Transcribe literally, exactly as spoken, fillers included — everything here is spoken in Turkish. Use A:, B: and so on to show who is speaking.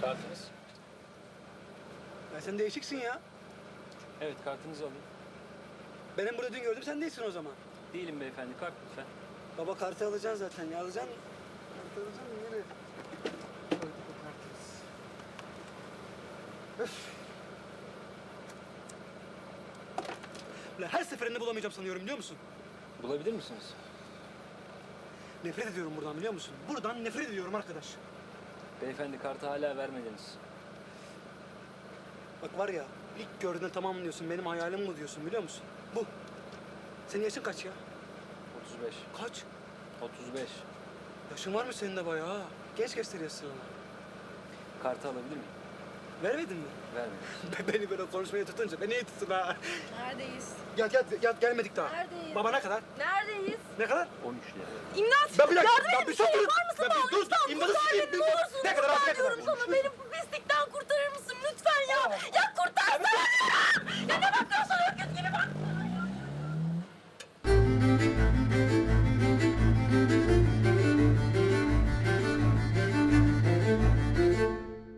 A: Kartınız?
B: Ya sen değişiksin ya.
A: Evet, kartınızı alayım.
B: Benim burada dün gördüm, sen değilsin o zaman.
A: Değilim beyefendi, kart lütfen.
B: Baba kartı alacaksın zaten ya, alacaksın. Kartı alacaksın, nereye? Koyduk o kartımız. Öf. Ulan her seferinde bulamayacağım sanıyorum, biliyor musun?
A: Bulabilir misiniz?
B: Nefret ediyorum buradan, biliyor musun? Buradan nefret ediyorum arkadaş.
A: Beyefendi, kartı hala vermediniz.
B: Bak var ya, ilk gördüğünde tamam diyorsun, benim hayalim bu diyorsun, biliyor musun? Bu. Senin yaşın kaç ya?
A: otuz beş.
B: Kaç?
A: otuz beş.
B: Yaşın var mı senin de bayağı ha? Genç gösteriyorsun ama.
A: Kartı alabilir miyim?
B: Vermedin mi?
A: Vermediniz.
B: Beni böyle konuşmaya tutunca beni iyi tutun ha.
C: Neredeyiz?
B: Gel gel gel gelmedik daha.
C: Neredeyiz?
B: Baba ne kadar?
C: Neredeyiz?
B: Ne kadar?
A: on üç lira.
C: İmdat!
B: Ben bir dakika,
C: Yardım
B: ben
C: et,
B: bir
C: bir şey
B: sus dur.
C: var mısın
B: Ben
C: bana?
B: bir dur,
C: Lütfen
B: imdadı
C: kurtar
B: sikeyim,
C: beni,
B: dur.
C: ne olursun.
B: Ne kadar abi, ne
C: Kurtar
B: kadar?
C: diyorum sana, benim